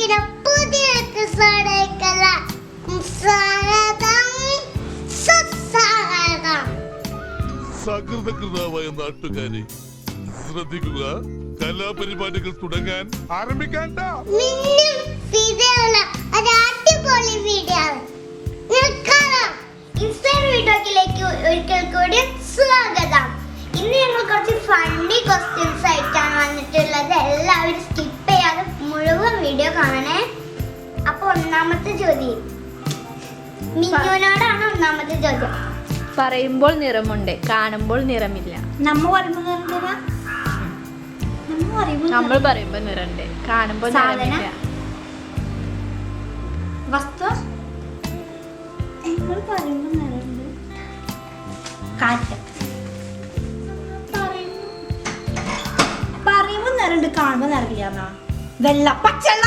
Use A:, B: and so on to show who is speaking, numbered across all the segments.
A: പുതിയ എപ്പിസോഡിലേക്കുള്ള സ്വാഗതം സുസ്വാഗതം.
B: സകൃതകൃതമായ നാട്ടുകാരെ ശ്രദ്ധിക്കുക, കലാപരിപാടികൾ തുടങ്ങാൻ ആരംഭിക്കാൻ.
A: അടിപൊളി വീഡിയോ വീഡിയോയിലേക്ക് ഒരിക്കൽ കൂടി സ്വാഗതം. ഇന്ന് ഞങ്ങൾ കുറച്ച് ഫണ്ണി ക്വസ്റ്റ്യൻസ് ആയിട്ടാണ് വന്നിട്ടുള്ളത്. എല്ലാവരും സ്കിപ്പ് ചെയ്യാതെ മുഴുവൻ വീഡിയോ കാണണേ. അപ്പൊ ഒന്നാമത്തെ ചോദ്യം മിന്നുവിനോടാണ്. ഒന്നാമത്തെ ചോദ്യം,
C: പറയുമ്പോൾ നിറമുണ്ട്, കാണുമ്പോൾ നിറമില്ല.
A: നമ്മൾ
C: പറയുമ്പോൾ നിറമുണ്ട്, കാണുമ്പോൾ നിറമില്ല.
A: വസ്തു പറയുമ്പോൾ നിറമുണ്ട്. കാറ്റ് പറയുമ്പോൾ നിറമുണ്ട്, കാണുമ്പോൾ നിറമില്ല. വെള്ള പച്ചവെള്ളം.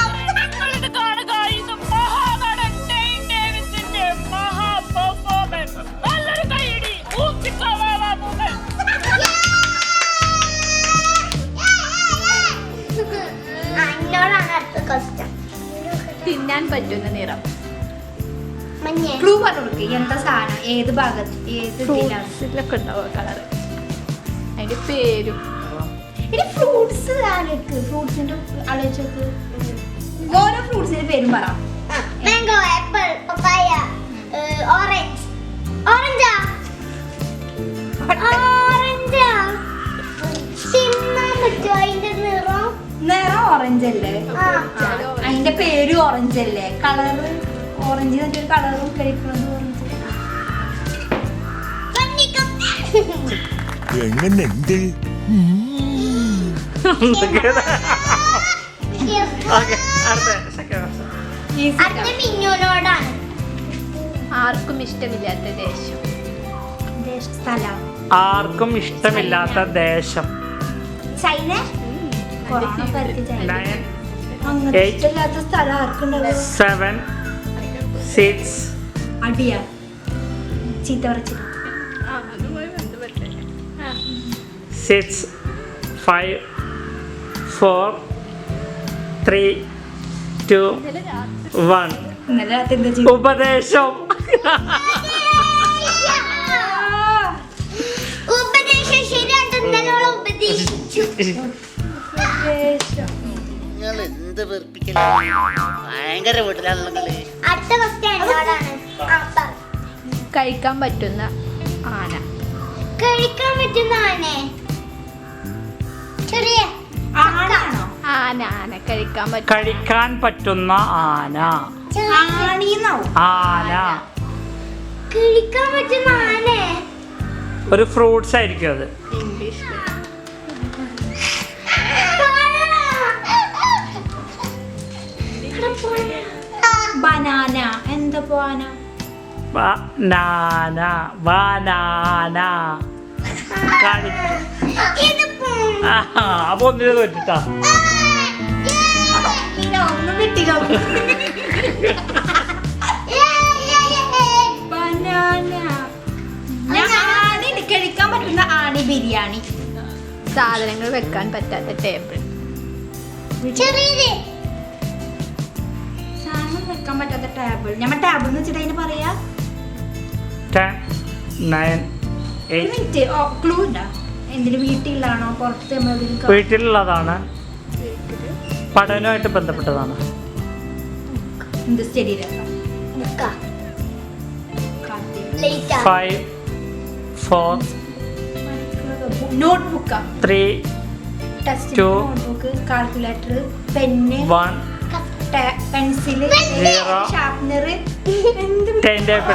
C: തിന്നാൻ പറ്റുന്ന നിറം.
A: ക്ലൂ പറഞ്ഞു, എന്താ സാധനം, ഏത് ഭാഗത്ത്, ഏത്
C: ഫ്രൂട്ട്സിലൊക്കെ ഉണ്ടാവുക കളറ്, അതിന്റെ പേരും.
A: ഫ്രൂട്ട്സ് ഫ്രൂട്ട്സിന്റെ ആലോചിച്ചോക്ക്. ഓരോ ഫ്രൂട്ട്സിന്റെ പേരും പറ. Mango, apple, papaya, orange. ഓറഞ്ചാ? ഓറഞ്ചാ? തിന്നാൻ പറ്റുമോ? അതിന്റെ നിറം ഓറഞ്ച് അല്ലേ? അതിന്റെ പേര് ഓറഞ്ച് അല്ലേ? കളറ് ഓറഞ്ച് എന്നൊരു കളറും കഴിക്കുന്നത് ഓറഞ്ച്.
B: എങ്ങനെയുണ്ട്?
C: ആർക്കും ഇഷ്ടമില്ലാത്ത ദേശം.
D: ആർക്കും ഇഷ്ടമില്ലാത്ത ദേശം.
A: ചൈന.
D: 9 8 7 6
A: അടിയാ ചീത്ത പറച്ചിട്ട്
D: 6 5 4 3 2 1. ഉപദേശം.
C: കഴിക്കാൻ പറ്റുന്ന ആന.
A: കഴിക്കാൻ പറ്റുന്ന ആനേ? ചെറിയ ആനാണോ?
C: ആന കഴിക്കാൻ
D: പറ്റുന്ന ആന. ആന
A: കഴിക്കാൻ പറ്റുന്ന ആനേ?
D: ഒരു ഫ്രൂട്ട്സ് ആയിരിക്കും അത്.
C: ഇംഗ്ലീഷ്.
A: ബനാന. എന്താ ബനാന?
D: ബനാന. അപ്പൊ ഒന്നിനെ തോറ്റിട്ടാ.
A: കഴിക്കാൻ പറ്റുന്ന ആണി ബിരിയാണി.
C: സാധനങ്ങൾ വെക്കാൻ പറ്റാത്ത ടേബിൾ.
A: സാധനം വെക്കാൻ പറ്റാത്ത ടേബിൾ. ഞമ്മ ടേബിൾ എന്ന് വെച്ചിട്ട് അതിന് പറയാ.
D: 10 9 8.
A: ക്ലൂ ഉണ്ടാ? എന്തിനും വീട്ടിലാണോ പുറത്ത്?
D: വീട്ടിലുള്ളതാണ്, പഠനവുമായിട്ട് ബന്ധപ്പെട്ടതാണ്.
A: എന്ത് study?
D: 5 4
A: notebook
D: 3 2
A: notebook, calculator, pen,
D: 1
A: pencil, sharpener,
D: time table.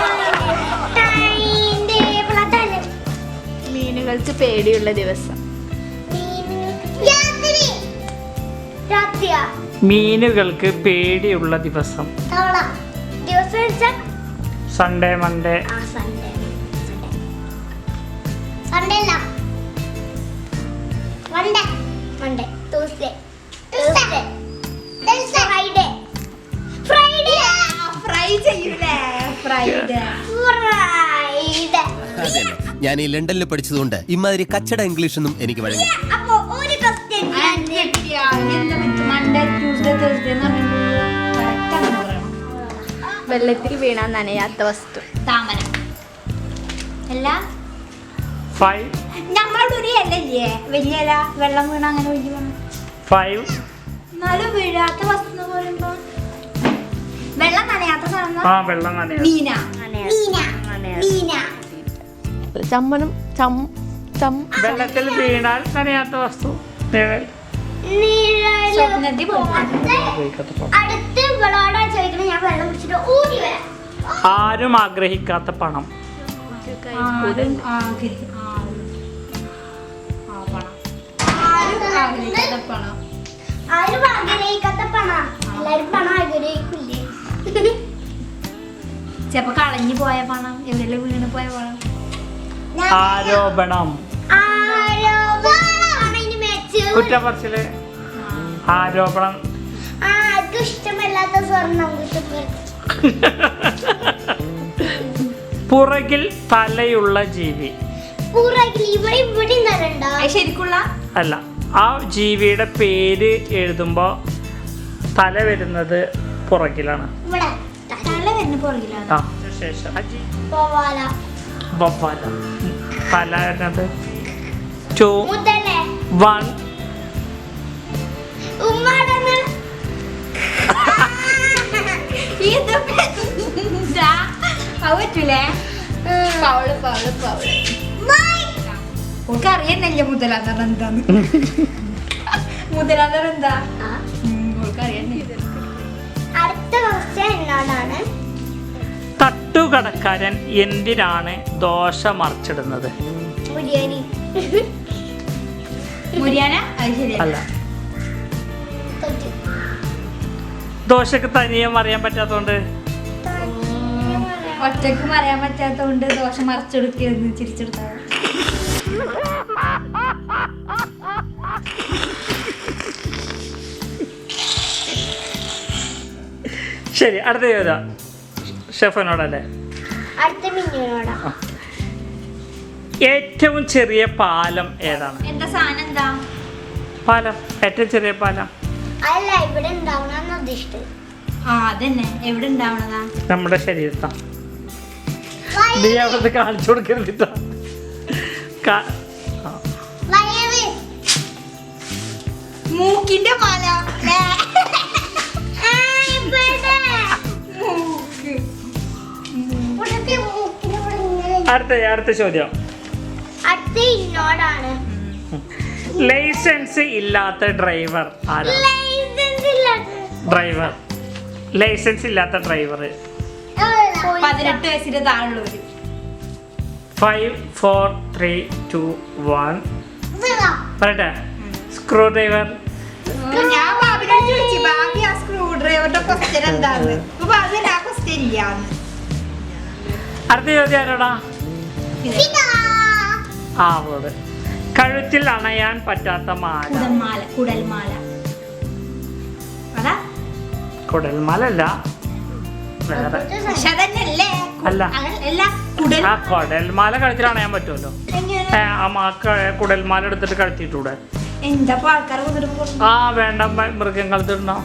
C: മീനുകൾക്ക് പേടിയുള്ള ദിവസം.
D: മീനുകൾക്ക് പേടിയുള്ള ദിവസം. Sunday, Monday.
E: ഞാൻ ഈ ലണ്ടനിൽ പഠിച്ചതുകൊണ്ട് ഇമാതിരി കച്ചട ഇംഗ്ലീഷ് ഒന്നും എനിക്ക് വഴങ്ങി.
A: Monday, Tuesday, Thursday.
C: വെള്ളത്തിൽ വീണാൽ നനയാത്ത വസ്തു.
A: താമര അല്ല
D: 5
A: ഞങ്ങളുടെ ഒരു ഇലല്ലേ വലിയ ഇല വെള്ളം വീണ അങ്ങനെ ഒഴിഞ്ഞു പോകണം
D: 5
A: എന്നാലും വീഴാത്ത വസ്തു എന്ന് പറയുമ്പോ വെള്ളം നനയാത്ത സാധനം
D: ആ വെള്ളം നനയാ.
A: മീന മീന മീന
C: ചമ്മണം ചം ചം
D: വെള്ളത്തിൽ വീണാൽ നനയാത്ത വസ്തു നിഴൽ.
A: സ്വപ്നത്തിൽ പോകും അടുത്ത് ഇവളോടാ ചോദിക്കണേ ഞാൻ വെള്ളം കുടിച്ചിട്ട് ഓടി വരാം
D: ആരും ആഗ്രഹിക്കാത്ത പണം.
A: ആരും ആഗ്രഹിക്കാത്ത പണം എല്ലാരും പണം ആഗ്രഹിക്കില്ലേ ചെലപ്പോ കളഞ്ഞു പോയ പണം എവിടെയെല്ലാം വീണ് പോയ പണം
D: ആരോപണം, കുറ്റപ്പറച്ചില്, ആരോപണം.
A: ആർക്കും ഇഷ്ടമല്ലാത്ത സ്വർണം
D: പുറകിൽ തലയുള്ള ജീവി.
A: ശരിക്കുള്ള
D: അല്ല, ആ ജീവിയുടെ പേര് എഴുതുമ്പോ തല വരുന്നത് പുറകിലാണ്.
A: ഇവിടെ തല വരുന്ന പുറകിലാണ്
D: ആ ശേഷം വവ്വാല. തല വരുന്നത് 2 1
A: അറിയന്നല്ലേ മുതലാന്നറ എന്താന്ന് മുതലാന്നറ എന്താ അടുത്ത ക്വസ്റ്റ്യൻ എന്നോടാണ്.
D: തട്ടുകടക്കാരൻ എന്തിനാണ് ദോശ മറിച്ചിടുന്നത്?
A: മുരിയാനി മുരിയാന
D: അല്ല, ദോശക്ക് തനിയെ മറിയാൻ പറ്റാത്തോണ്ട്.
A: ഒറ്റക്കും അറിയാൻ പറ്റാത്തോണ്ട് ദോശ മറിച്ചെടുക്കുന്നു ചിരിച്ചെടുത്താ
D: ശരി, അടുത്ത ചോദ്യം ഷെഫിനോടല്ലേ?
A: അടുത്ത മിന്നുവിനോടാ.
D: ഏറ്റവും ചെറിയ പാലം ഏതാണ്?
A: എന്താ സാധനം എന്താ?
D: പാലം, ഏറ്റവും ചെറിയ പാലം.
A: അല്ല, ഇവിടെ ഉണ്ടാവണമെന്ന് ഉദ്ദേശിച്ചത്. അതന്നെ, എവിടെ ഉണ്ടാവണതാ?
D: നമ്മുടെ ശരീരത്താ. നീ അവിടെ കാണിച്ചു കൊടുക്കരുതിട്ടാ.
A: മൂക്കിന്റെ പാല.
D: അടുത്ത ചോദ്യം
A: അടുത്ത ഇന്നോടാണ്.
D: ലൈസൻസ് ഇല്ലാത്ത ഡ്രൈവർ ആരാണ്? ലൈസൻസ് ഇല്ലാത്ത ഡ്രൈവർ
A: 18 വയസ്സിന്റെ താഴെയുള്ളവര്.
D: 5 4 3 2 1 പറയട്ടെ. Screw driver.
A: ഞാൻ ബാബിനോട് ചോദിച്ചു ബാബി ആ സ്ക്രൂ ഡ്രൈവറുടെ ക്വസ്റ്റ്യൻ എന്താന്ന്. അപ്പൊ ബാബി ആ ക്വസ്റ്റ്യൻ ഇല്ലാന്ന്.
D: അടുത്ത ചോദ്യം ആരോടാ? ആ അവളോട്. കഴുത്തിൽ അണയാൻ പറ്റാത്ത മാല.
A: കുടൽമാല. അതാ
D: കുടൽമാല അല്ല, വേറെ. അല്ല, ആ കുടൽമാല കഴുത്തിൽ അണയാൻ പറ്റുമല്ലോ. കുടൽമാല എടുത്തിട്ട് കഴുത്തിട്ടൂടെ?
A: എന്താ ആൾക്കാർ
D: ആ വേണ്ട, മൃഗങ്ങൾക്ക് ഇടണോ?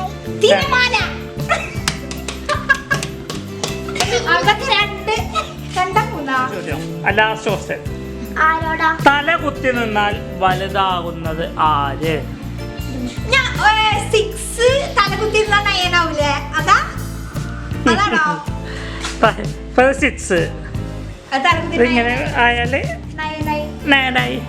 D: തല കുത്തി നിന്നാൽ വലുതാകുന്നത് ആര്?
A: തലകുത്തി നയനാവൂലേ? അതാ അതാണോ?
D: ഇങ്ങനെ ആയാല് നയനായി.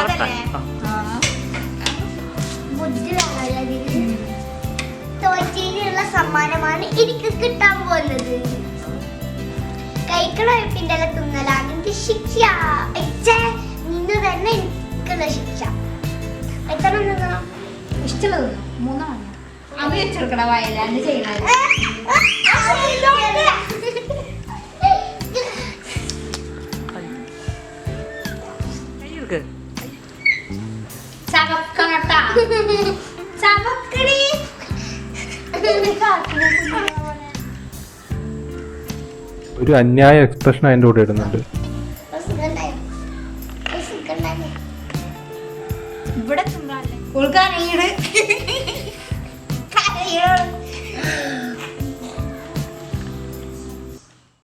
A: തോറ്റയിലുള്ള സമ്മാനമാണ് എനിക്ക് കിട്ടാൻ പോകുന്നത്. കൈക്കളപ്പിന്റെ തിന്നലാണ് എനിക്ക് ശിക്ഷ. നിന്ന് തന്നെ എനിക്കുള്ള ശിക്ഷ. എത്ര തിന്നണം? ഇഷ്ടമുള്ള തിന്നണം. 3 അവ വെച്ചെടുക്കണ വയലാണ്ട് ചെയ്യണത്.
F: ഒരു അന്യായ എക്സ്പ്രഷൻ അതിൻ്റെ കൂടെ ഇടുന്നുണ്ട്.